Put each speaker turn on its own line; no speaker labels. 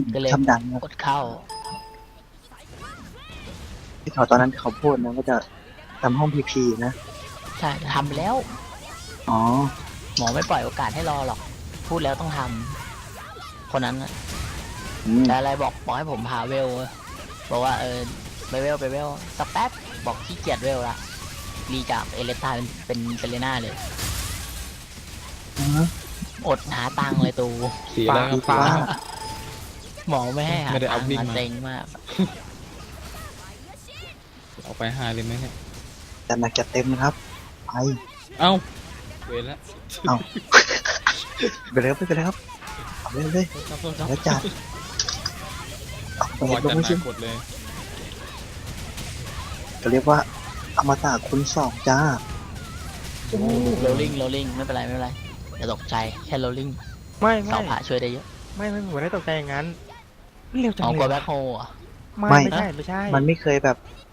ก็เลย
ทำดังนะ
กดเข้า
ที่เขาตอนนั้นเขาพูดนะว่าจะทำห้องพีพีนะ
ใช่ทำไปแล้ว
อ๋อ
หมอไม่ปล่อยโอกาสให้รอหรอก พูดแล้วต้องทำคนนั้นน่ะ
อืม
แต่อะไรบอกให้ผมหาเวลบอกว่าไปเวลสักแป๊บบอกขี้เกียจเวลละรีจากเอเลสตาเป็นเลน่าเลย
อ๋อ
อดหาตังค์เลยตู
สีอะไรครับ
ฟ้า
ฟ้า
หมอไม่ให้หา
ไม่ได้
ตั
เอา
งค์
วิ่ง
มา
มา
เซ็งมาก
เอาไป5เลยไหมเนี่ย
จัดหนักจัดเต็มนะครับไป
เอ้าเวรละ
เอาไปเลยครับไปเลยครับเอาเลยเลย
ครับโทษครับ
แล้วจัดเอาไป
วอ
ล
จั
ง
ด
ไม่
หนั
ใช่
กกดเลย
จะเรียกว่าอมตะคุณสองจ้า
โรลลิ่งไม่เป็นไรอย่าตกใจแค่โรลลิ่ง
ไม่
เสาผาช่วยได้เยอะ
ไม่ผมได้ตกใจอย่างนั้นเร็วจัง
เอา
เล
กลัวย แบ็คโฮอ่ะ
ไม่ใช่
มันไม่เคยแบบ